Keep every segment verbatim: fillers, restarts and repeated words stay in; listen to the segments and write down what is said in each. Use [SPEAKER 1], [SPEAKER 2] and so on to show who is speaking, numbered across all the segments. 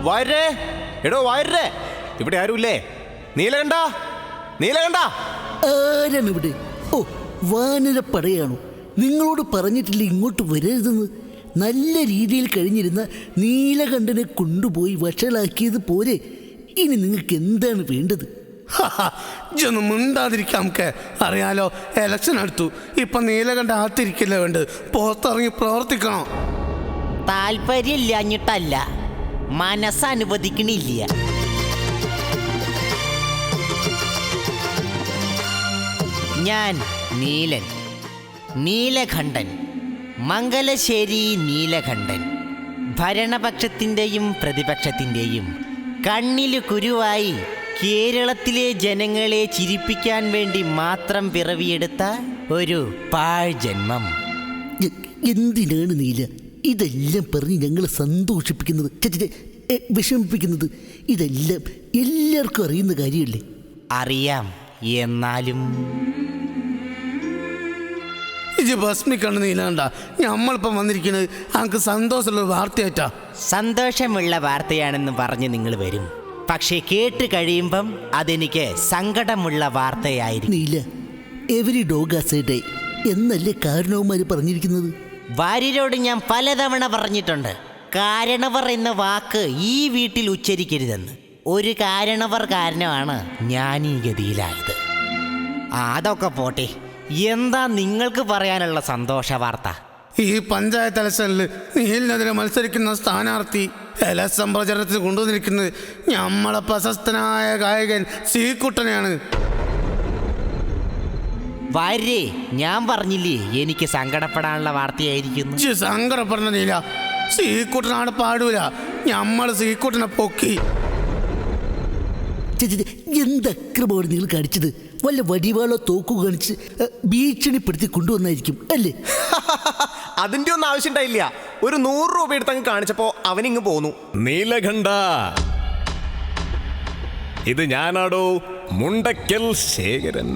[SPEAKER 1] വാര്യരേ, എടോ വാര്യരേ, ഇവിടെ ആരുമില്ലേ? നീലകണ്ഠ, നീലകണ്ഠ.
[SPEAKER 2] ആരാണ് ഇവിടെ? ഓ, വാനരപ്പടയാണോ? നിങ്ങളോട് പറഞ്ഞിട്ടില്ല ഇങ്ങോട്ട് വരരുതെന്ന്. നല്ല രീതിയിൽ കഴിഞ്ഞിരുന്ന നീലകണ്ഠനെ കൊണ്ടുപോയി വഷളാക്കിയത് പോരെ. ഇനി നിങ്ങൾക്ക് എന്താണ് വേണ്ടത്?
[SPEAKER 3] ഇതൊന്നും മിണ്ടാതിരിക്കാം. നമുക്ക് അറിയാലോ, എലക്ഷൻ അടുത്തു. ഇപ്പൊ നീലകണ്ഠ ആത്തിരിക്കില്ല, വേണ്ടത് പുറത്തിറങ്ങി പ്രവർത്തിക്കണം.
[SPEAKER 4] താല്പര്യമില്ലാഞ്ഞിട്ടല്ല, മനസ്സനുവദിക്കണില്ല. ഞാൻ നീലൻ, നീലകണ്ഠൻ, മംഗലശ്ശേരി നീലകണ്ഠൻ. ഭരണപക്ഷത്തിൻ്റെയും പ്രതിപക്ഷത്തിൻ്റെയും കണ്ണില് കുരുവായി കേരളത്തിലെ ജനങ്ങളെ ചിരിപ്പിക്കാൻ വേണ്ടി മാത്രം പിറവിയെടുത്ത ഒരു പാഴ് ജന്മം.
[SPEAKER 2] എന്തിനാണ് നീല ഇതെല്ലാം പറഞ്ഞ് ഞങ്ങളെ സന്തോഷിപ്പിക്കുന്നത്, വിഷമിപ്പിക്കുന്നത്? ഇതെല്ലാം എല്ലാവർക്കും അറിയുന്ന കാര്യമല്ലേ?
[SPEAKER 4] അറിയാം, എന്നാലും
[SPEAKER 3] ഇത് ഭസ്മിക്കണ്ണ് നീലകണ്ഠ. നമ്മളിപ്പം വന്നിരിക്കുന്നത് നമുക്ക് സന്തോഷമുള്ള വാർത്തയായിട്ടാ.
[SPEAKER 4] സന്തോഷമുള്ള വാർത്തയാണെന്ന് പറഞ്ഞ് നിങ്ങൾ വരും, പക്ഷേ കേട്ട് കഴിയുമ്പം അതെനിക്ക് സങ്കടമുള്ള വാർത്തയായിരിക്കും.
[SPEAKER 2] Neela, every dog has a day എന്നല്ലേ കാരണവന്മാർ പറഞ്ഞിരിക്കുന്നത്?
[SPEAKER 4] വാര്യരോട് ഞാൻ പലതവണ പറഞ്ഞിട്ടുണ്ട്, കാരണവർ എന്ന വാക്ക് ഈ വീട്ടിൽ ഉച്ചരിക്കരുതെന്ന്. ഒരു കാരണവർ കാരണമാണ് ഞാൻ ഈ ഗതിയിലായത്. അതൊക്കെ പോട്ടെ, എന്താ നിങ്ങൾക്ക് പറയാനുള്ള സന്തോഷ വാർത്ത?
[SPEAKER 3] ഈ പഞ്ചായത്ത് ഇലക്ഷനിൽ നീലിനെതിരെ മത്സരിക്കുന്ന സ്ഥാനാർത്ഥി ഇലക്ഷൻ പ്രചരണത്തിന് കൊണ്ടുവന്നിരിക്കുന്നത് നമ്മളെ പ്രശസ്തനായ ഗായകൻ ശ്രീകുട്ടനെയാണ്.
[SPEAKER 4] വാര്യേ, ഞാൻ പറഞ്ഞില്ലേ എനിക്ക് സങ്കടപ്പെടാനുള്ള വാർത്തയായിരിക്കുന്നു.
[SPEAKER 3] സങ്കടപ്പെടണ നീല, ശ്രീകുട്ടനാണ് പാടൂല, നമ്മൾ ശ്രീകുട്ടനെ പൊക്കി.
[SPEAKER 2] എന്ത് അക്രമമാണ് നിങ്ങൾ കാണിച്ചത്? വല്ല വടിവാളോ തോക്കോ കാണിച്ച് ഭീഷണിപ്പെടുത്തി കൊണ്ടുവന്നായിരിക്കും അല്ലേ?
[SPEAKER 1] അതിന്റെ ഒന്നും ആവശ്യം ഉണ്ടായില്ല. ഒരു നൂറ് രൂപ എടുത്തങ്ങ് കാണിച്ചപ്പോ അവനിങ്ങ് പോന്നു.
[SPEAKER 5] നീലകണ്ഠ, ഇത് ഞാനാടോ, മുണ്ടക്കൽ ശേഖരൻ.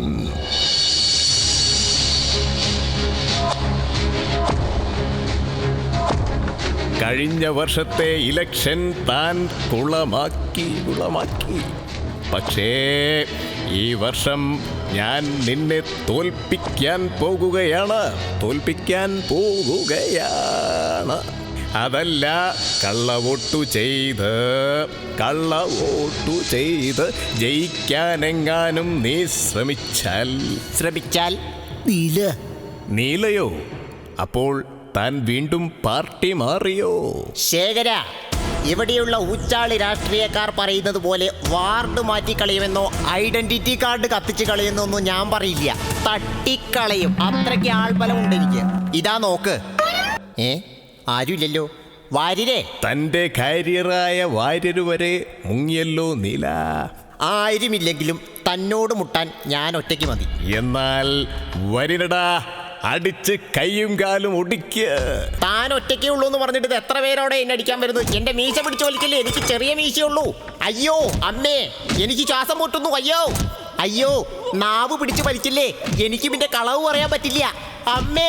[SPEAKER 5] കഴിഞ്ഞ വർഷത്തെ ഇലക്ഷൻ താൻ കുളമാക്കി കുളമാക്കി പക്ഷേ ഈ വർഷം ഞാൻ നിന്നെ തോൽപ്പിക്കാൻ പോകുകയാണ് തോൽപ്പിക്കാൻ പോകുകയാണ് അതല്ല, കള്ളവോട്ടു ചെയ്ത് കള്ളവോട്ടു ചെയ്ത് ജയിക്കാനെങ്ങാനും നീ ശ്രമിച്ചാൽ
[SPEAKER 4] ശ്രമിച്ചാൽ
[SPEAKER 2] നീല
[SPEAKER 5] നീലയോ? അപ്പോൾ താൻ വീണ്ടും പാർട്ടി മാറിയോ?
[SPEAKER 4] ശേഖര, ഇവിടെയുള്ള ഊച്ചാളി രാഷ്ട്രീയക്കാർ പറയുന്നത് പോലെ വാർഡ് മാറ്റിക്കളയുമെന്നോ ഐഡന്റിറ്റി കാർഡ് കത്തിച്ച് കളയുന്നോ ഒന്നും ഞാൻ പറയില്ല. തട്ടിക്കളയും, അത്രയ്ക്ക് ആൾബലമുണ്ട് എനിക്ക്. ഇതാ നോക്ക്. ഏ ആരുമില്ലല്ലോ. വാര്യരേ,
[SPEAKER 5] തൻ്റെ കാരിയറായ വാര്യര് വരെ മുങ്ങിയല്ലോ നീല.
[SPEAKER 4] ആരുമില്ലെങ്കിലും തന്നോട് മുട്ടാൻ ഞാൻ ഒറ്റയ്ക്ക് മതി.
[SPEAKER 5] എന്നാൽ വരിനടാ, അടിച്ച് കൈയും കാലും ഒടിക്ക്.
[SPEAKER 4] താൻ ഒറ്റയ്ക്കേ ഉള്ളൂ എന്ന് പറഞ്ഞിട്ട് എത്ര പേരോടെ എന്നെ അടിക്കാൻ വരുന്നു? എന്റെ മീശ പിടിച്ചു വലിക്കല്ലേ, എനിക്ക് ചെറിയ മീശയുള്ളൂ. അയ്യോ അമ്മേ, എനിക്ക് ശ്വാസം മുട്ടുന്നു. അയ്യോ അയ്യോ, നാവ് പിടിച്ചു വലിക്കില്ലേ, എനിക്ക് പിന്നെ കളവ് പറയാൻ പറ്റില്ല. അമ്മേ.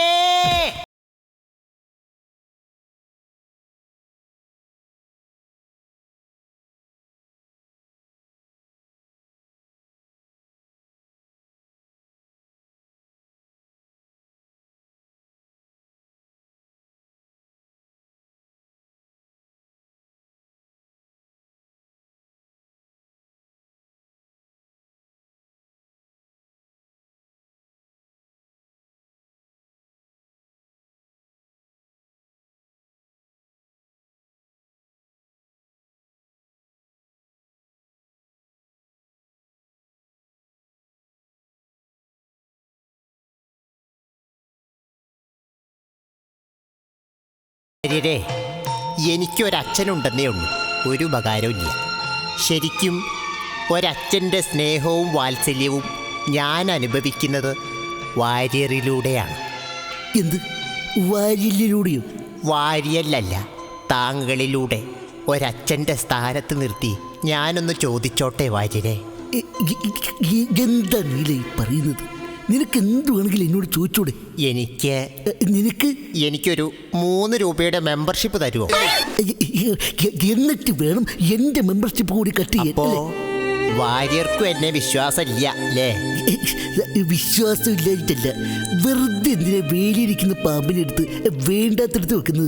[SPEAKER 4] എനിക്കൊരച്ഛനുണ്ടെന്നേ ഉള്ളൂ, ഒരു ഉപകാരമില്ല. ശരിക്കും ഒരച്ഛൻ്റെ സ്നേഹവും വാത്സല്യവും ഞാൻ അനുഭവിക്കുന്നത് വാര്യറിലൂടെയാണ്.
[SPEAKER 2] എന്ത് വാര്യലിലൂടെയോ?
[SPEAKER 4] വാര്യല്ലല്ല, താങ്കളിലൂടെ. ഒരച്ഛൻ്റെ സ്ഥാനത്ത് നിർത്തി ഞാനൊന്ന് ചോദിച്ചോട്ടെ വാര്യരെ?
[SPEAKER 2] എന്താ നീല ഈ പറയുന്നത്? നിനക്ക് എന്ത് വേണമെങ്കിലും എന്നോട് ചോദിച്ചോട്.
[SPEAKER 4] എനിക്ക്
[SPEAKER 2] എ, നിനക്ക്
[SPEAKER 4] എനിക്കൊരു മൂന്ന് രൂപയുടെ മെമ്പർഷിപ്പ് തരുമോ?
[SPEAKER 2] എ, എ, എന്നിട്ട് വേണം എൻ്റെ മെമ്പർഷിപ്പ് കൂടി കട്ട്
[SPEAKER 4] അപ്പോ
[SPEAKER 2] ചെയ്യാൻ.
[SPEAKER 4] വാര്യർക്കും എന്നെ വിശ്വാസമില്ല അല്ലേ?
[SPEAKER 2] വിശ്വാസം ഇല്ലായിട്ടല്ല, വെറുതെ എന്തിനാ വേലിയിരിക്കുന്ന പാമ്പിനെടുത്ത് വേണ്ടാത്തടുത്ത് വെക്കുന്നത്.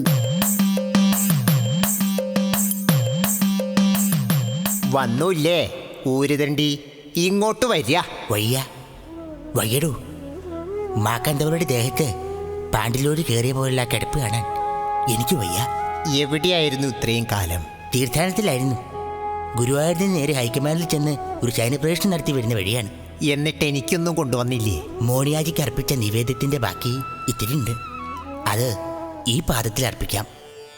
[SPEAKER 4] വന്നൂല്ലേ ഊരുതണ്ടി, ഇങ്ങോട്ട് വരിക.
[SPEAKER 6] വയ്യ വയ്യടൂ. മാക്കാന്തവരുടെ ദേഹത്ത് പാണ്ടിലോട് കയറിയ പോലുള്ള കിടപ്പ് കാണാൻ എനിക്ക് വയ്യ.
[SPEAKER 4] എവിടെയായിരുന്നു ഇത്രയും കാലം?
[SPEAKER 6] തീർത്ഥാടനത്തിലായിരുന്നു. ഗുരുവായൂരിൽ നേരെ ഹൈക്കമാൻഡിൽ ചെന്ന് ഒരു ശയനപ്രവേശനം നടത്തി വരുന്ന വഴിയാണ്.
[SPEAKER 4] എന്നിട്ട് എനിക്കൊന്നും കൊണ്ടുവന്നില്ലേ?
[SPEAKER 6] മോണിയാജിക്ക് അർപ്പിച്ച നിവേദ്യത്തിന്റെ ബാക്കി ഇത്തിരി ഉണ്ട്. അത് ഈ പാദത്തിൽ അർപ്പിക്കാം.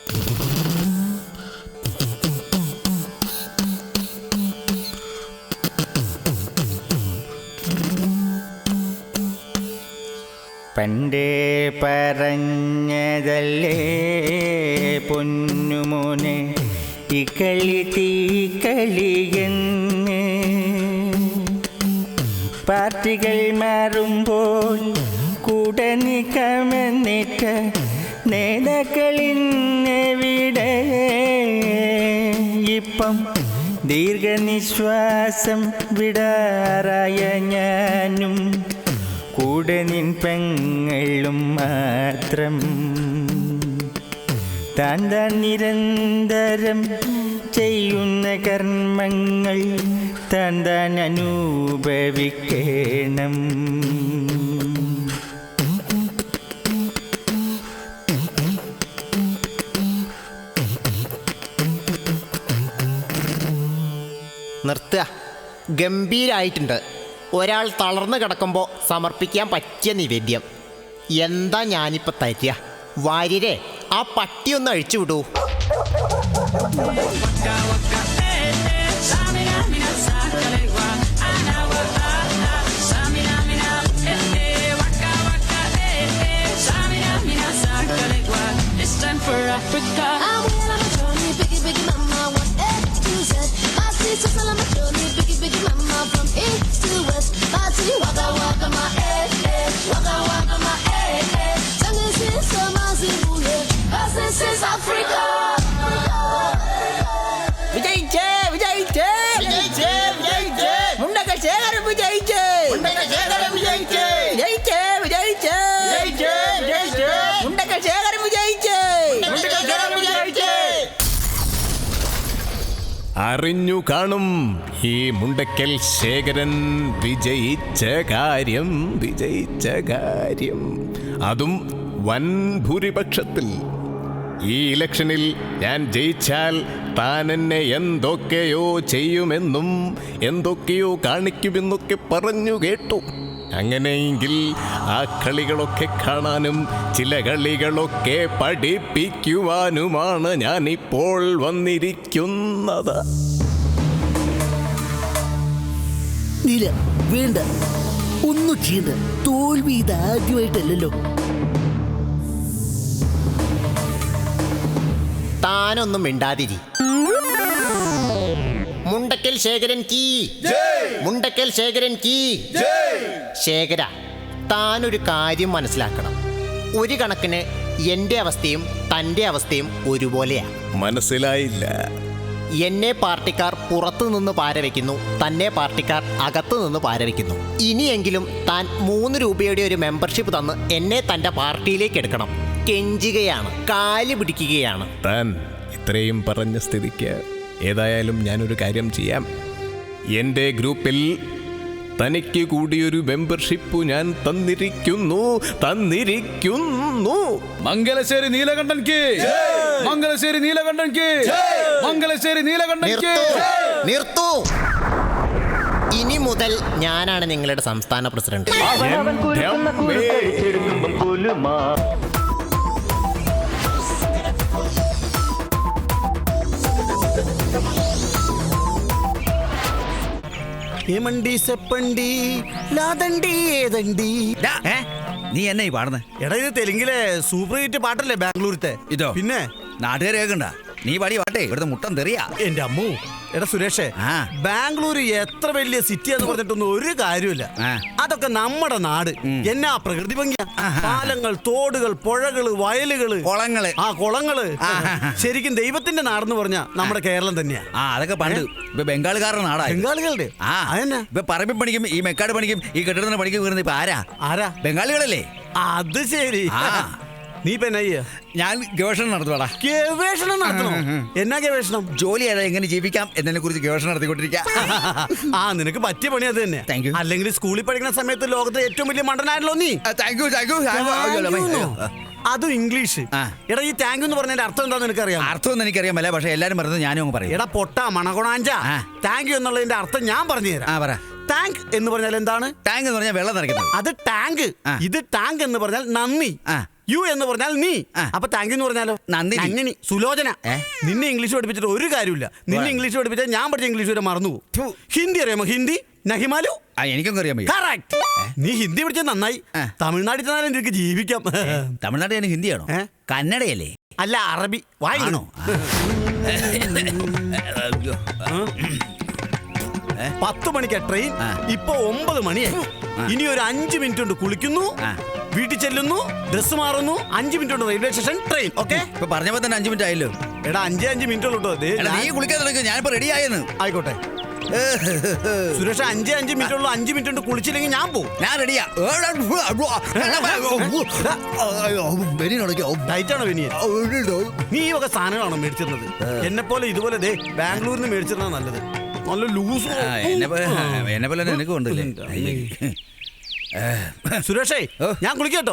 [SPEAKER 7] പണ്ടേ പറഞ്ഞതല്ലേ പൊന്നുമോനെ ഈ കളി തീക്കളിയെന്ന്. പാർട്ടികൾ മാറുമ്പോൾ കൂടെ നിൽക്കാമെന്നിട്ട് നേതാക്കളിന്നെവിടെ? ഇപ്പം ദീർഘനിശ്വാസം വിടാറായ ഞാനും കൂടെ നിൻ പെങ്ങളും മാത്രം. താൻ താൻ നിരന്തരം ചെയ്യുന്ന കർമ്മങ്ങൾ താൻ താൻ അനുഭവിക്കണം.
[SPEAKER 4] നിർത്തുക. ഗംഭീരായിട്ടുണ്ട്. ഒരാൾ തളർന്നു കിടക്കുമ്പോൾ സമർപ്പിക്കാൻ പറ്റിയ നിവേദ്യം. എന്താ ഞാനിപ്പോൾ തരിക? വാര്യരെ, ആ പട്ടിയൊന്ന് അഴിച്ചു വിടൂ.
[SPEAKER 6] വിജയിച്ചേ വിജയിച്ചേ വിജയിച്ചേ വിജയിച്ചേ മുണ്ടക്കൽ ശേഖരൻ വിജയിച്ചേ മുണ്ടക്കൽ ശേഖരൻ വിജയിച്ചേ വിജയിച്ചേ വിജയിച്ചേ വിജയിച്ചേ വിജയിച്ചേ മുണ്ടക്കൽ ശേഖരൻ വിജയിച്ചേ മുണ്ടക്കൽ ശേഖരൻ വിജയിച്ചേ.
[SPEAKER 5] അറിഞ്ഞു കാണും ഈ മുണ്ടക്കൽ ശേഖരൻ വിജയിച്ച കാര്യം, വിജയിച്ച കാര്യം, അതും വൻ ഭൂരിപക്ഷത്തിൽ. ഈ ഇലക്ഷനിൽ ഞാൻ ജയിച്ചാൽ താൻ എന്നെ എന്തൊക്കെയോ ചെയ്യുമെന്നും എന്തൊക്കെയോ കാണിക്കുമെന്നൊക്കെ പറഞ്ഞു കേട്ടു. അങ്ങനെയെങ്കിൽ ആ കളികളൊക്കെ കാണാനും ചില കളികളൊക്കെ പഠിപ്പിക്കുവാനുമാണ് ഞാനിപ്പോൾ വന്നിരിക്കുന്നത്.
[SPEAKER 2] നീല വേണ്ട, ഒന്നും ചെയ്യണ്ട. തോൽവി ഇതാദ്യമായിട്ടല്ലല്ലോ.
[SPEAKER 4] താനൊന്നും മിണ്ടാതിരി. മുണ്ടക്കൽ ശേഖരൻ കീ, മുണ്ടക്കൽ ശേഖരൻ കീ. ശേഖര, താനൊരു കാര്യം മനസ്സിലാക്കണം. ഒരു കണക്കിന് എൻ്റെ അവസ്ഥയും തൻ്റെ അവസ്ഥയും ഒരുപോലെയാണ്.
[SPEAKER 5] മനസ്സിലായില്ല.
[SPEAKER 4] എന്നെ പാർട്ടിക്കാർ പുറത്തു നിന്ന് പാരവെക്കുന്നു, തന്നെ പാർട്ടിക്കാർ അകത്തു നിന്ന് പാരവെക്കുന്നു. ഇനിയെങ്കിലും താൻ മൂന്ന് രൂപയുടെ ഒരു മെമ്പർഷിപ്പ് തന്ന് എന്നെ തൻ്റെ പാർട്ടിയിലേക്ക് എടുക്കണം. കെഞ്ചുകയാണ്, കാല് പിടിക്കുകയാണ്.
[SPEAKER 5] താൻ ഇത്രയും പറഞ്ഞ സ്ഥിതിക്ക് ഏതായാലും ഞാനൊരു കാര്യം ചെയ്യാം. എൻ്റെ ഗ്രൂപ്പിൽ തനിക്ക് കൂടിയൊരു മെമ്പർഷിപ്പ് ഞാൻ തന്നിരിക്കുന്നു തന്നിരിക്കുന്നു
[SPEAKER 8] മംഗലശ്ശേരി നീലകണ്ഠൻ കി, മംഗലശ്ശേരി നീലകണ്ഠൻ കി, മംഗലശ്ശേരി നീലകണ്ഠൻ കി.
[SPEAKER 4] നിർത്തൂ. ഇനി മുതൽ ഞാനാണ് നിങ്ങളുടെ സംസ്ഥാന പ്രസിഡന്റ്.
[SPEAKER 2] ഏമണ്ടി സെപ്പണ്ടി ലാദണ്ടി ഏതണ്ടി.
[SPEAKER 8] നീ എന്നെ ഈ പാടുന്നേ?
[SPEAKER 9] എടാ, ഇത് തെലുങ്കിലെ സൂപ്പർ ഹിറ്റ് പാട്ടല്ലേ ബാംഗ്ലൂരത്തെ?
[SPEAKER 8] ഇതോ
[SPEAKER 9] പിന്നെ
[SPEAKER 8] നാട്ടുകാർ കേൾക്കണ്ട. നീ പാടി പാട്ടേ ഇവിടുത്തെ മുട്ടം തെറിയാ.
[SPEAKER 9] എന്റെ അമ്മു, എടാ സുരേഷേ, ബാംഗ്ലൂർ എത്ര വലിയ സിറ്റി എന്ന് പറഞ്ഞിട്ടൊന്നും ഒരു കാര്യമില്ല. അതൊക്കെ നമ്മുടെ നാട്. എന്നാ പ്രകൃതി ഭംഗിയാ. പാലങ്ങൾ, തോടുകൾ, പുഴകള്, വയലുകള്,
[SPEAKER 10] കുളങ്ങള്.
[SPEAKER 9] ആ കുളങ്ങള്. ശരിക്കും ദൈവത്തിന്റെ നാടെന്ന് പറഞ്ഞാ നമ്മുടെ കേരളം തന്നെയാ.
[SPEAKER 10] ആ അതൊക്കെ പണ്ട്. ഇപ്പൊ ബംഗാളുകാരുടെ നാടാ.
[SPEAKER 9] ബംഗാളികളുടെ
[SPEAKER 10] ആ
[SPEAKER 9] അതെന്നാ
[SPEAKER 10] ഇപ്പൊ പറമ്പിൽ പണിക്കും ഈ മെക്കാട് പണിക്കും ഈ കെട്ടിടത്തിന് പണിക്കും വീറുന്നത് ഇപ്പൊ ആരാ?
[SPEAKER 9] ആരാ?
[SPEAKER 10] ബംഗാളികളല്ലേ?
[SPEAKER 9] അത് ശരി. നീ ഇപ്പൊ എന്നാ ചെയ്യാ?
[SPEAKER 10] ഞാൻ ഗവേഷണം നടത്തുവാടാ.
[SPEAKER 9] ഗവേഷണം നടത്തണോ? എന്നാ ഗവേഷണം?
[SPEAKER 10] ജോലി ഏതാ എങ്ങനെ ജീവിക്കാം എന്നതിനെ കുറിച്ച് ഗവേഷണം നടത്തിക്കൊണ്ടിരിക്കുക.
[SPEAKER 9] ആ നിനക്ക് പറ്റിയ പണി അത് തന്നെ.
[SPEAKER 10] Thank you.
[SPEAKER 9] അല്ലെങ്കിൽ സ്കൂളിൽ പഠിക്കുന്ന സമയത്ത് ലോകത്തെ ഏറ്റവും വലിയ മണ്ടനായല്ലോ നീ.
[SPEAKER 10] Thank you thank you.
[SPEAKER 9] അതും ഇംഗ്ലീഷ്. എടാ ഈ താങ്ക് യു എന്ന് പറഞ്ഞതിന്റെ അർത്ഥം എന്താന്ന് നിനക്കറിയാം?
[SPEAKER 10] അർത്ഥം ഒന്നും എനിക്കറിയാമല്ല, പക്ഷെ എല്ലാരും പറഞ്ഞത് ഞാനും അങ്ങ് പറയും.
[SPEAKER 9] എടാ പൊട്ട മണകൊണാഞ്ച, താങ്ക് യു എന്നുള്ളതിന്റെ അർത്ഥം ഞാൻ പറഞ്ഞു തരാം.
[SPEAKER 10] ആ പറ.
[SPEAKER 9] ടാങ്ക് എന്ന് പറഞ്ഞാൽ എന്താണ്?
[SPEAKER 10] ടാങ്ക് എന്ന് പറഞ്ഞാൽ വെള്ളം നിറയ്ക്കുന്നത്.
[SPEAKER 9] അത് ടാങ്ക്. ഇത് ടാങ്ക് എന്ന് പറഞ്ഞാൽ നന്ദി. യു എന്ന് പറഞ്ഞാൽ നീ. അപ്പൊ താങ്ക് യു എന്ന് പറഞ്ഞാലോ? നന്ദിനി. സുലോചന. നിന്നെ ഇംഗ്ലീഷ് പഠിപ്പിച്ചിട്ട് ഒരു കാര്യമില്ല. നിന്നെ ഇംഗ്ലീഷ് പഠിപ്പിച്ചാൽ ഞാൻ പഠിച്ച ഇംഗ്ലീഷ് വരെ മറന്നു പോകും. ഹിന്ദി അറിയാമോ? ഹിന്ദി നഹിമാലു.
[SPEAKER 10] എനിക്കൊന്നും അറിയാൻ പറ്റും.
[SPEAKER 9] കറക്റ്റ്. നീ ഹിന്ദി പഠിച്ചാൽ നന്നായി. തമിഴ്നാട്ടിൽ ചെന്നാലും നിനക്ക് ജീവിക്കാം.
[SPEAKER 10] തമിഴ്നാട്ടിൽ ഞാൻ ഹിന്ദിയാണോ? കന്നഡയല്ലേ?
[SPEAKER 9] അല്ല അറബി. വായിക്കണോ? പത്ത് മണിക്കാ ട്രെയിൻ. ഇപ്പൊ ഒമ്പത് മണിയായി. ഇനി ഒരു അഞ്ചു മിനിറ്റ് കൊണ്ട് കുളിക്കുന്നു, വീട്ടിൽ ചെല്ലുന്നു, ഡ്രസ് മാറുന്നു, അഞ്ചു മിനിറ്റ് കൊണ്ട് റെയിൽവേ സ്റ്റേഷൻ ട്രെയിൻ. ഓക്കെ
[SPEAKER 10] ഇപ്പൊ പറഞ്ഞപ്പോ തന്നെ അഞ്ചു മിനിറ്റ് ആയല്ലോ.
[SPEAKER 9] എടാ അഞ്ചേ അഞ്ച് മിനിറ്റ് ഉള്ളൂ.
[SPEAKER 10] നീ കുളിക്കാൻ തുടങ്ങി, ഞാനിപ്പോ റെഡി ആയെന്ന്.
[SPEAKER 9] ആയിക്കോട്ടെ സുരേഷ്, അഞ്ചേ അഞ്ച് മിനിറ്റ് ഉള്ളൂ. അഞ്ചു മിനിറ്റ് കൊണ്ട് കുളിച്ചില്ലെങ്കിൽ ഞാൻ പോകും.
[SPEAKER 10] ഞാൻ റെഡിയാ.
[SPEAKER 9] ഡയറ്റാണോ വെനിയൻ? നീ ഈ വക സാധനങ്ങളാണോ മേടിച്ചിരുന്നത്? എന്നെ പോലെ ഇതുപോലെ ദേ ബാംഗ്ലൂരിൽ നിന്ന് മേടിച്ചിരുന്ന നല്ലത്. നല്ല ലൂസ്.
[SPEAKER 10] എന്നെ പോലെ നിനക്ക് കൊണ്ടില്ലേ
[SPEAKER 9] സുരേഷേ, ഞാൻ കുളിക്കട്ടോ.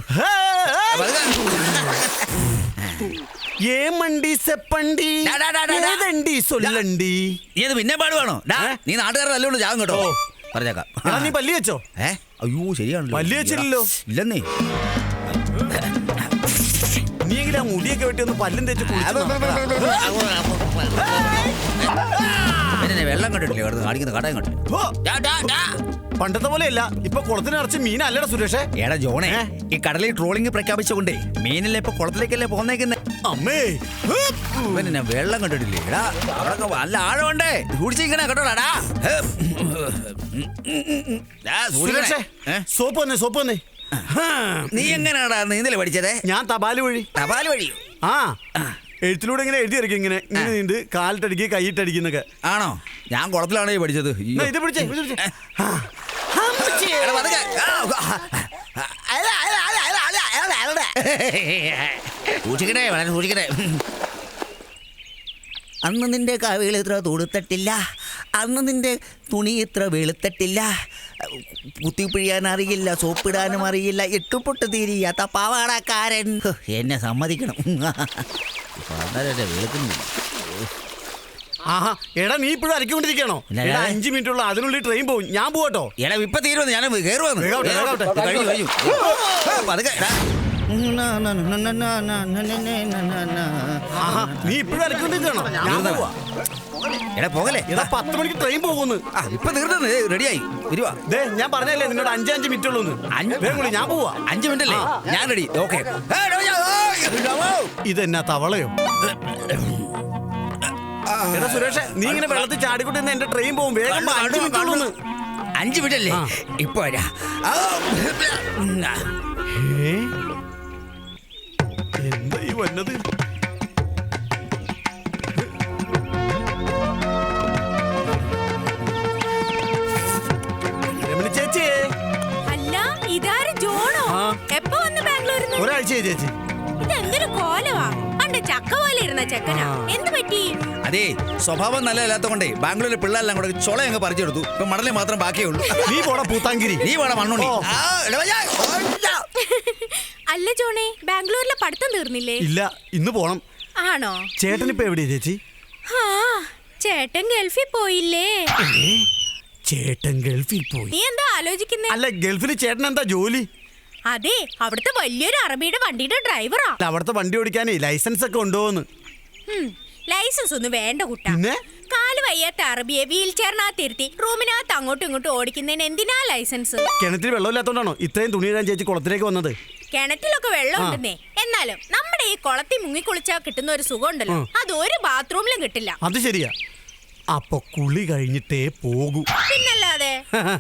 [SPEAKER 10] പിന്നെ പാടുവാണോ? നീ നാട്ടുകാരുടെ നല്ലോണ്ട് ജാഗം കേട്ടോ. പറഞ്ഞേക്കാം.
[SPEAKER 9] നീ പല്ലി വെച്ചോ?
[SPEAKER 10] ഏ അയ്യോ ശരിയാണല്ലോ.
[SPEAKER 9] പല്ലി വെച്ചില്ലല്ലോ.
[SPEAKER 10] ഇല്ലെന്നേ.
[SPEAKER 9] നീ എങ്കിലും ആ മുടിയൊക്കെ വെട്ടി ഒന്ന് പല്ലും തേച്ച്
[SPEAKER 10] പിന്നെ വെള്ളം കണ്ടിട്ടില്ലേ കിടന്ന് കാണിക്കുന്ന കടയും കണ്ടില്ല.
[SPEAKER 9] പണ്ടത്തെ പോലെയല്ല, ഇപ്പൊ കുളത്തിന് നിറച്ച് മീനല്ലടാ സുരേഷേ.
[SPEAKER 10] എടാ ജോണേ, ഈ കടലിൽ ട്രോളിംഗ് പ്രഖ്യാപിച്ചുകൊണ്ടേ മീനല്ലേ ഇപ്പൊ കുളത്തിലേക്കല്ലേ പോന്നേക്കുന്നേ.
[SPEAKER 9] അമ്മേ
[SPEAKER 10] പിന്നെ വെള്ളം കണ്ടിട്ടില്ലേ? എടാ അവിടെ നല്ല ആഴമുണ്ടേ. കുടിച്ചിരിക്കണേ കേട്ടോടാ.
[SPEAKER 9] സുരേഷേ, സോപ്പ് വന്നേ, സോപ്പ് വന്നേ.
[SPEAKER 10] നീ എങ്ങനെയാടാ നീന്തല് പഠിച്ചതേ?
[SPEAKER 9] ഞാൻ തപാല് വഴി.
[SPEAKER 10] തപാല് വഴിയോ?
[SPEAKER 9] ആ എഴുത്തിലൂടെ ഇങ്ങനെ എഴുതി ഇറക്കി. ഇങ്ങനെ ഇങ്ങനെ നീണ്ട് കാലിട്ടടിക്കുക, കൈയിട്ടടിക്കുന്നൊക്കെ.
[SPEAKER 10] ആണോ? ഞാൻ കുളത്തിലാണോ പഠിച്ചത്.
[SPEAKER 9] ഇത് പിടിച്ചേ.
[SPEAKER 10] സൂക്ഷിക്കണേ, വളരെ സൂക്ഷിക്കണേ. അന്ന് നിന്റെ കവികൾ ഇത്ര തൊടുത്തട്ടില്ല, അന്ന് നിന്റെ തുണി ഇത്ര വെളുത്തട്ടില്ല, കുത്തിപ്പിഴിയാൻ അറിയില്ല, സോപ്പിടാനും അറിയില്ല, എട്ടുപൊട്ട് തീരിയാത്ത പാവാടക്കാരൻ. എന്നെ സമ്മതിക്കണം. വെളുക്കുന്നില്ല.
[SPEAKER 9] ആഹാ എടാ, നീ ഇപ്പോഴും അരക്കൊണ്ടിരിക്കണോ? അഞ്ചു മിനിറ്റ് ഉള്ള, അതിനുള്ളിൽ ട്രെയിൻ പോകും. ഞാൻ പോകട്ടോ?
[SPEAKER 10] എടാ ഇപ്പൊ തീരുവന്ന്, ഞാൻ കയറുവന്ന്. കഴിഞ്ഞു കഴിഞ്ഞു.
[SPEAKER 9] നീ ഇപ്പോഴും അരക്കൊണ്ടിരിക്കണോ?
[SPEAKER 10] എടാ പോകലേ.
[SPEAKER 9] എടാ പത്ത് മണിക്ക് ട്രെയിൻ പോകുന്നു.
[SPEAKER 10] ഇപ്പൊ തീർന്നു, റെഡിയായി വരുവാ.
[SPEAKER 9] ദേ ഞാൻ പറഞ്ഞല്ലേ നിന്നോട് അഞ്ച് അഞ്ച് മിനിറ്റ് ഉള്ളൂ. ഞാൻ പോവാ.
[SPEAKER 10] അഞ്ചു മിനിറ്റ് അല്ലേ? ഞാൻ റെഡി. ഓക്കെ.
[SPEAKER 9] ഇതെന്നാ തവളയോ? എടാ സുരേഷ്, നീ ഇങ്ങനെ വെള്ളത്തിൽ ചാടിക്കൊണ്ടിരുന്ന എന്റെ ട്രെയിൻ പോകും. വേഗം അഞ്ചു മിനിറ്റ് ഉള്ളൂ.
[SPEAKER 10] അഞ്ചു മിനിറ്റ് അല്ലേ? ഇപ്പൊ വരാ.
[SPEAKER 9] എന്താ ഈ വന്നത്? ചേച്ചി.
[SPEAKER 11] അല്ല ഇതാര് ജോണോ? എപ്പോ വന്ന് ബാംഗ്ലൂരിൽ?
[SPEAKER 9] ഒരാഴ്ചയായി ചേച്ചി.
[SPEAKER 11] ഇതെന്തൊരു കോലവാ. അണ്ട ചക്ക പോലെ ഇരുന്ന ചെക്കനാ. എന്ത് പറ്റി?
[SPEAKER 10] അതെ, സ്വഭാവം നല്ലതല്ലാത്ത കൊണ്ടേ ബാംഗ്ലൂരിലെ പിള്ളേരെല്ലാം കൂടെ ചൊള അങ്ങ് പറിച്ചെടുത്തു. ഇപ്പൊ മണലെ മാത്രം ബാക്കിയുള്ളൂ.
[SPEAKER 9] നീ പോടാ പൂത്താങ്കിരി.
[SPEAKER 10] നീ പോടാ മണ്ണുണ്ണി.
[SPEAKER 11] അല്ല ജോണേ, ബാംഗ്ലൂരിലെ പഠിത്തം തീർന്നില്ലേ?
[SPEAKER 9] ഇല്ല, ഇന്ന് പോണം.
[SPEAKER 11] ആണോ?
[SPEAKER 9] ചേട്ടൻ ഇപ്പൊ എവിടെയാ ചേച്ചി?
[SPEAKER 11] ആ ചേട്ടൻ ഗൾഫിൽ പോയില്ലേ?
[SPEAKER 9] ചേട്ടൻ ഗൾഫിൽ പോയി.
[SPEAKER 11] നീ എന്താ ആലോചിക്കുന്നേ?
[SPEAKER 9] അല്ല ഗൾഫിൽ ചേട്ടൻ എന്താ ജോലി?
[SPEAKER 11] അതെ, അവിടുത്തെ വലിയൊരു അറബിയുടെ വണ്ടിയുടെ ഡ്രൈവറാ.
[SPEAKER 9] അവിടുത്തെ വണ്ടി ഓടിക്കാനേ ലൈസൻസ് ഒക്കെ ഉണ്ടോന്ന്?
[SPEAKER 11] ലൈസൻസ് ഒന്നും വേണ്ട കുട്ടാ. കാല് വയ്യാത്ത അറബിയെ വീൽ ചെയറിനകത്തിരുത്തി റൂമിനകത്ത് അങ്ങോട്ടും ഇങ്ങോട്ടും ഓടിക്കുന്നതിന് എന്തിനാ ലൈസൻസ്?
[SPEAKER 9] കിണറ്റിൽ വെള്ളമില്ലാത്തോണ്ടാണോ ഇത്രയും തുണി ഇടാൻ ചേച്ചി കുളത്തിലേക്ക് വന്നത്?
[SPEAKER 11] കിണറ്റിലൊക്കെ വെള്ളം ഉണ്ടെന്നേ, എന്നാലും നമ്മുടെ ഈ കുളത്തിൽ മുങ്ങിക്കുളിച്ചാൽ കിട്ടുന്ന ഒരു സുഖം ഉണ്ടല്ലോ, അത് ഒരു ബാത്റൂമിലും കിട്ടില്ല.
[SPEAKER 9] അത് ശരിയാ. അപ്പൊ കുളി കഴിഞ്ഞിട്ടേ പോകൂ.
[SPEAKER 11] പിന്നല്ലാതെ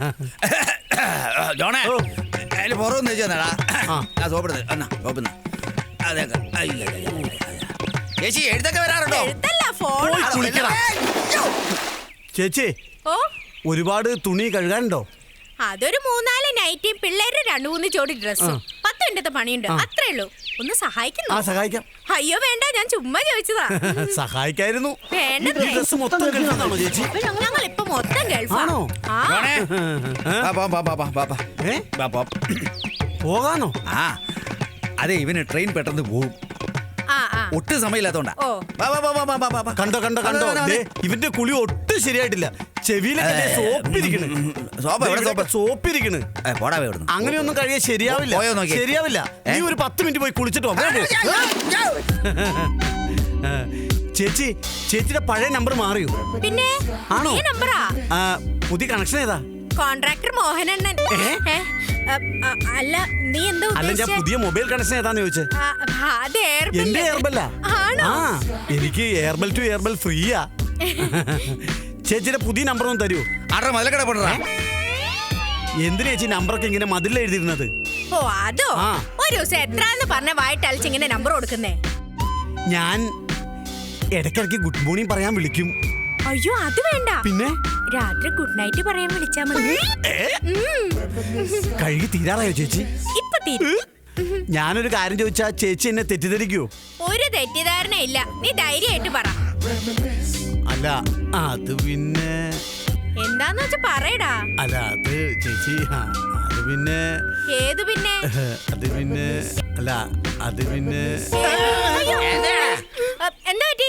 [SPEAKER 10] ജോണേ അതിൽ പുറമൊന്ന് വെച്ച് തന്നടാ. ആ സോപ്പിടുന്നത് എന്നാ സോപ്പിന്ന അതൊക്കെ ചേച്ചി എഴുത്തൊക്കെ വരാറുണ്ടോ?
[SPEAKER 11] എഴുത്തല്ല ഫോൺ.
[SPEAKER 9] പോയി കുളിക്കടാ. ചേച്ചി
[SPEAKER 11] ഓ
[SPEAKER 9] ഒരുപാട് തുണി കഴുകാനുണ്ടോ?
[SPEAKER 11] അതൊരു മൂന്നാല് നൈറ്റിയും പിള്ളേരുടെ രണ്ടു മൂന്ന് ജോഡി ഡ്രസ്സും പത്ത് മിനിറ്റത്തെ പണിയുണ്ട്. അത്രേ ഉള്ളൂ. ഒന്ന് സഹായിക്കുന്നു.
[SPEAKER 9] ആ സഹായിക്കാം.
[SPEAKER 11] അയ്യോ വേണ്ട, ഞാൻ ചുമ്മാ ചോദിച്ചതാ.
[SPEAKER 9] സഹായിക്കായിരുന്നു.
[SPEAKER 11] വേണ്ടതേ.
[SPEAKER 9] ഈ ഡ്രസ്സ് മൊത്തം കഴുകാനാണോ ചേച്ചി?
[SPEAKER 11] ഞങ്ങൾ ഇപ്പൊ മൊത്തം ഗൾഫാണോ?
[SPEAKER 10] ജോണേ ബാ ബാ ബാ ബാ ബാ ബാ
[SPEAKER 9] ഏ
[SPEAKER 10] ബാ ബാ
[SPEAKER 9] പോകാനോ?
[SPEAKER 10] ആ അതെ ഇവന് ട്രെയിൻ പെട്ടെന്ന് പോകും.
[SPEAKER 11] ആ ആ
[SPEAKER 10] ഒട്ടും സമയമില്ലാത്തോണ്ടാ.
[SPEAKER 11] ഓ.
[SPEAKER 10] ബാ, ബാ, ബാ, ബാ, ബാ, ബാ, ബാ.
[SPEAKER 9] കണ്ടോ കണ്ടോ കണ്ടോ
[SPEAKER 10] അതെ, അതെ,
[SPEAKER 9] ദേ, ഇവന്റെ കുളി ഒട്ടും ശരിയായിട്ടില്ല. ചെവിയിലൊക്കെ സോപ്പിരിക്കണ്.
[SPEAKER 10] സോപ്പ് എവിടെ സോപ്പ്?
[SPEAKER 9] സോപ്പിരിക്കണ്.
[SPEAKER 10] ഏ, പോടാ വേ ഇവിടുന്ന്.
[SPEAKER 9] അങ്ങനെയൊന്നും കഴിയാൻ ശരിയാവില്ല.
[SPEAKER 10] പോയോ നോക്കിയേ.
[SPEAKER 9] ശരിയാവില്ല. നീ ഒരു പത്ത് മിനിറ്റ് പോയി കുളിച്ചിട്ട് വാ. വേഗം പോ. ചേച്ചി ചേച്ചിയുടെ പഴയ നമ്പർ മാറിയോ?
[SPEAKER 11] പിന്നെ
[SPEAKER 9] ആണോ?
[SPEAKER 11] ഈ നമ്പറാ.
[SPEAKER 9] ആ, പുതിയ കണക്ഷൻ ഏതാ?
[SPEAKER 11] കോൺട്രാക്ടർ മോഹനണ്ണൻ. ഏ? അ, അ, അല്ല നീ എന്താ
[SPEAKER 9] അല്ല ഞാൻ
[SPEAKER 11] ഉദ്ദേശിച്ചേ?
[SPEAKER 9] പുതിയ മൊബൈൽ കണക്ഷൻ ഏതാന്ന് ചോദിച്ചേ.
[SPEAKER 11] ആ, അത് എയർബെൽ.
[SPEAKER 9] എന്റെ എയർബെല്ല.
[SPEAKER 11] ആണോ?
[SPEAKER 9] ആ എനിക്ക് എയർബെൽ ടു എയർബെൽ ഫ്രീയാ. ചേച്ചിയുടെ പുതിയ നമ്പർ ഒന്ന് തരൂ.
[SPEAKER 10] ആരുടെ മതിലക്കട പോടാ.
[SPEAKER 9] എന്തിനാ ചേച്ചി നമ്പറൊക്കെ ഇങ്ങനെ മതിൽ എഴുതിയിരുന്നത്?
[SPEAKER 11] ഓ അതോ?
[SPEAKER 9] ആ.
[SPEAKER 11] ഒരു ദിവസം എത്രാന്ന് പറഞ്ഞ വായിട്ടലിച്ച് ഇങ്ങനെ നമ്പർ കൊടുക്കുന്നേ?
[SPEAKER 9] ഞാൻ ഇടയ്ക്കിടയ്ക്ക് ഗുഡ് മോർണിംഗ് പറയാൻ വിളിക്കും.
[SPEAKER 11] അയ്യോ അത് വേണ്ട.
[SPEAKER 9] പിന്നെ
[SPEAKER 11] രാത്രി ഗുഡ് നൈറ്റ് പറയാൻ വിളിച്ചാ മതി.
[SPEAKER 9] കഴുകി തീരാറായോ ചേച്ചി?
[SPEAKER 11] ഇപ്പൊ തീരും.
[SPEAKER 9] ഞാനൊരു കാര്യം ചോദിച്ചാ ചേച്ചി എന്നെ തെറ്റിദ്ധരിക്കോ?
[SPEAKER 11] ഒരു തെറ്റിദ്ധാരണ ഇല്ല. നീ ധൈര്യമായിട്ട് പറ.
[SPEAKER 9] അല്ല അത് പിന്നെ
[SPEAKER 11] എന്താന്ന് വെച്ചാ പറയടാ.
[SPEAKER 9] അല്ല അത് ചേച്ചി ആ, അത് പിന്നെ
[SPEAKER 11] ഏത് പിന്നെ?
[SPEAKER 9] അത് പിന്നെ അല്ല അത് പിന്നെ
[SPEAKER 11] അയ്യോ. അ, എന്താ പറ്റി?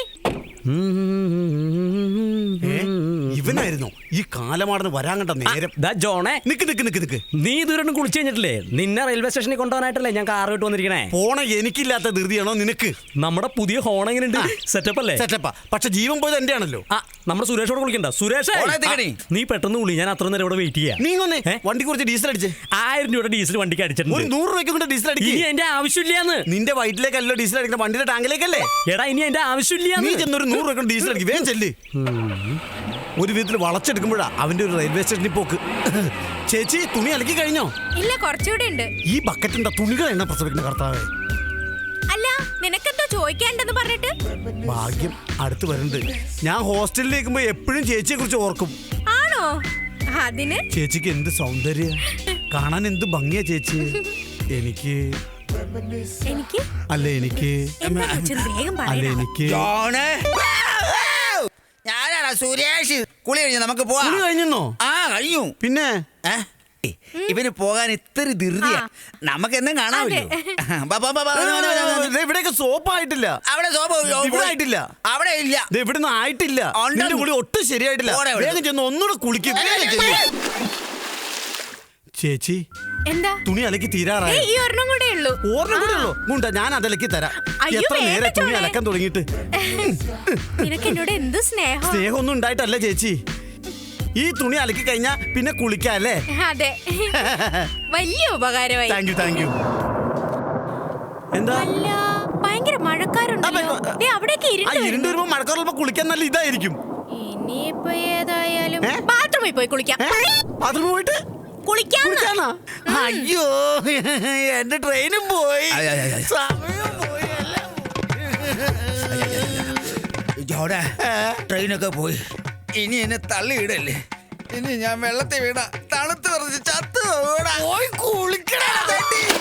[SPEAKER 9] ഏ? ഇവനായിരുന്നു ഈ കാലമാടന്ന് വരാൻ കണ്ട നേരം.
[SPEAKER 5] ജോണേ
[SPEAKER 9] നിക്ക് നിക്ക് നിക്ക് നിക്ക്
[SPEAKER 5] നീ ഇതുവരെ കുളിച്ചു കഴിഞ്ഞിട്ടില്ലേ? നിന്നെ റെയിൽവേ സ്റ്റേഷനിൽ കൊണ്ടുപോകാനായിട്ടല്ലേ ഞാൻ കാർ വിട്ട് വന്നിരിക്കണേ.
[SPEAKER 9] പോണ എനിക്കില്ലാത്ത ധൃതിയാണോ നിനക്ക്?
[SPEAKER 5] നമ്മുടെ പുതിയ ഹോൺ എങ്ങനെയുണ്ട്? സെറ്റപ്പ് അല്ലേ?
[SPEAKER 9] സെറ്റപ്പാ. പക്ഷെ ജീവൻ പോയത് എന്റെ ആണല്ലോ.
[SPEAKER 5] ആ നമ്മുടെ സുരേഷോട് കുളിക്കണ്ട. സുരേഷ്
[SPEAKER 10] ഓളെ എത്തിക്കടി.
[SPEAKER 5] നീ പെട്ടെന്ന് കുളി. ഞാൻ അത്ര നേരം ഇവിടെ വെയിറ്റ് ചെയ്യാം.
[SPEAKER 9] നീ ഒന്നേ
[SPEAKER 5] ഏ?
[SPEAKER 9] വണ്ടി കുറച്ച് ഡീസൽ അടിച്ച്.
[SPEAKER 5] ആയിരം രൂപയുടെ ഡീസൽ വണ്ടിക്ക്
[SPEAKER 9] ഒരു
[SPEAKER 5] അടിച്ചിട്ടുണ്ട്.
[SPEAKER 9] നൂറ് രൂപയ്ക്ക് കൊണ്ട് ഡീസൽ
[SPEAKER 5] ഇനി
[SPEAKER 9] അടിക്കും.
[SPEAKER 5] എന്റെ ആവശ്യമില്ലാന്ന്.
[SPEAKER 9] നിന്റെ വയറ്റിലേക്കല്ലോ ഡീസൽ അടിക്കുന്ന വണ്ടിയുടെ ടാങ്കിലേക്കല്ലേ?
[SPEAKER 5] എടാ ഇനി എന്റെ
[SPEAKER 9] നീ
[SPEAKER 5] ആവശ്യമില്ലാന്ന്.
[SPEAKER 9] ചെന്നൊരു നൂറ് രൂപ ഡീസൽ അടിക്കും. വേഗം ചെല്ല്. ഒരു വിധത്തിൽ വളച്ചെടുക്കുമ്പോഴാ അവന്റെ ഒരു റെയിൽവേ സ്റ്റേഷനിൽ പോക്ക്. ചേച്ചി തുണി അലക്കി കഴിഞ്ഞോ?
[SPEAKER 11] ഇല്ല, കുറച്ചുകൂടെ ഉണ്ട്.
[SPEAKER 9] ഈ ബക്കറ്റിന്റെ തുണികൾ എണ്ണ പ്രസവിക്കുന്ന കർത്താവേ.
[SPEAKER 11] അല്ല നിനക്കെന്തോ ചോദിക്കാണ്ടെന്ന് പറഞ്ഞിട്ട്?
[SPEAKER 9] ഭാഗ്യം അടുത്ത് വരുന്നുണ്ട്. ഞാൻ ഹോസ്റ്റലിലേക്കുമ്പോ എപ്പോഴും ചേച്ചിയെ കുറിച്ച് ഓർക്കും.
[SPEAKER 11] ആണോ? അതിന്
[SPEAKER 9] ചേച്ചിക്ക് എന്ത് സൗന്ദര്യ, കാണാൻ എന്ത് ഭംഗിയാ ചേച്ചി. എനിക്ക്
[SPEAKER 11] എനിക്ക്
[SPEAKER 9] അല്ല എനിക്ക്
[SPEAKER 11] എന്താ വെച്ചത് വേഗം
[SPEAKER 9] അല്ല
[SPEAKER 11] പറയടാ.
[SPEAKER 9] എനിക്ക്
[SPEAKER 10] ജോണേ ഞാനാണ് സുരേഷ്. കുളി കഴിഞ്ഞു നമുക്ക് പോവാം.
[SPEAKER 9] തുണി കഴിഞ്ഞോ?
[SPEAKER 10] ആ കഴിഞ്ഞു.
[SPEAKER 9] പിന്നെ
[SPEAKER 10] ഏ? ഇവന് പോകാൻ ഇത്ര ധൃതിയാ. നമുക്ക് എന്നും കാണാമല്ലോ. ബാ, ബാ, ബാ, ബാ, ബാ, ബാ, ബാ, ബാ.
[SPEAKER 9] ദേ ഇവിടെയൊക്കെ സോപ്പായിട്ടില്ല.
[SPEAKER 10] അവിടെ സോപ്പ്
[SPEAKER 9] ഇവിടെ ആയിട്ടില്ല.
[SPEAKER 10] അവിടെ ഇല്ല.
[SPEAKER 9] ദേ ഇവിടുന്ന് ആയിട്ടില്ല.
[SPEAKER 10] ഉണ്ട്.
[SPEAKER 9] നിന്റെ കുളി ഒട്ടും ശരിയായിട്ടില്ല.
[SPEAKER 10] പോടെ ഇവിടെ.
[SPEAKER 9] വേഗം ചെന്ന് ഒന്നുകൂടെ കുളിക്കും. വേഗം ചെല്ല്. ചേച്ചി
[SPEAKER 11] എന്താ?
[SPEAKER 9] തുണി അലക്കി തീരാറായി.
[SPEAKER 11] ഏയ്, ഈ ഒരെണ്ണം കൂടെ ഉള്ളൂ.
[SPEAKER 9] ഓർമ്മ കൂടെ ഉള്ളൂ. ഗുണ്ട ഞാൻ അതലക്കി തരാം.
[SPEAKER 11] അയ്യോ,
[SPEAKER 9] എത്ര
[SPEAKER 11] വേണ്ട
[SPEAKER 9] നേരെ തുണി
[SPEAKER 11] ചോളെ.
[SPEAKER 9] അലക്കാൻ തുടങ്ങിയിട്ട്.
[SPEAKER 11] നിനക്ക് എന്നോട് എന്ത് സ്നേഹം.
[SPEAKER 9] സ്നേഹമൊന്നും ഉണ്ടായിട്ടല്ല ചേച്ചി. ഈ തുണി അലക്കി കഴിഞ്ഞാ പിന്നെ കുളിക്കാം അല്ലേ?
[SPEAKER 11] അതെ, വലിയ ഉപകാരമായി.
[SPEAKER 9] Thank you thank you. എന്താ
[SPEAKER 11] അല്ല ഭയങ്കര മഴക്കാരുണ്ടല്ലോ. ദേ, അവിടേക്ക്
[SPEAKER 9] ആ
[SPEAKER 11] ഇരുണ്ട്
[SPEAKER 9] ഇരുണ്ട് വരുമ്പോ മഴക്കാറുള്ളപ്പോ കുളിക്കാൻ നല്ല ഇതായിരിക്കും.
[SPEAKER 11] ഇനിയിപ്പോ ഏതായാലും
[SPEAKER 9] ഏ?
[SPEAKER 11] ബാത്റൂമിൽ പോയി കുളിക്കാം.
[SPEAKER 9] അതിന് പോയിട്ട്
[SPEAKER 11] കുളിക്കാം.
[SPEAKER 9] കുളിക്കാനാ? അയ്യോ എന്റെ ട്രെയിനും പോയി.
[SPEAKER 10] അയ്യ, അയ്യ, അയ്യ.
[SPEAKER 9] സമയം പോയി എല്ലാം പോയി.
[SPEAKER 10] ജോണേ ട്രെയിനൊക്കെ പോയി. ഇനി എന്നെ തള്ളിയിടല്ലേ. ഇനി ഞാൻ വെള്ളത്തിൽ വീണ തണുത്ത് പറഞ്ഞ് ചത്ത് പോയി കുളിക്കണ.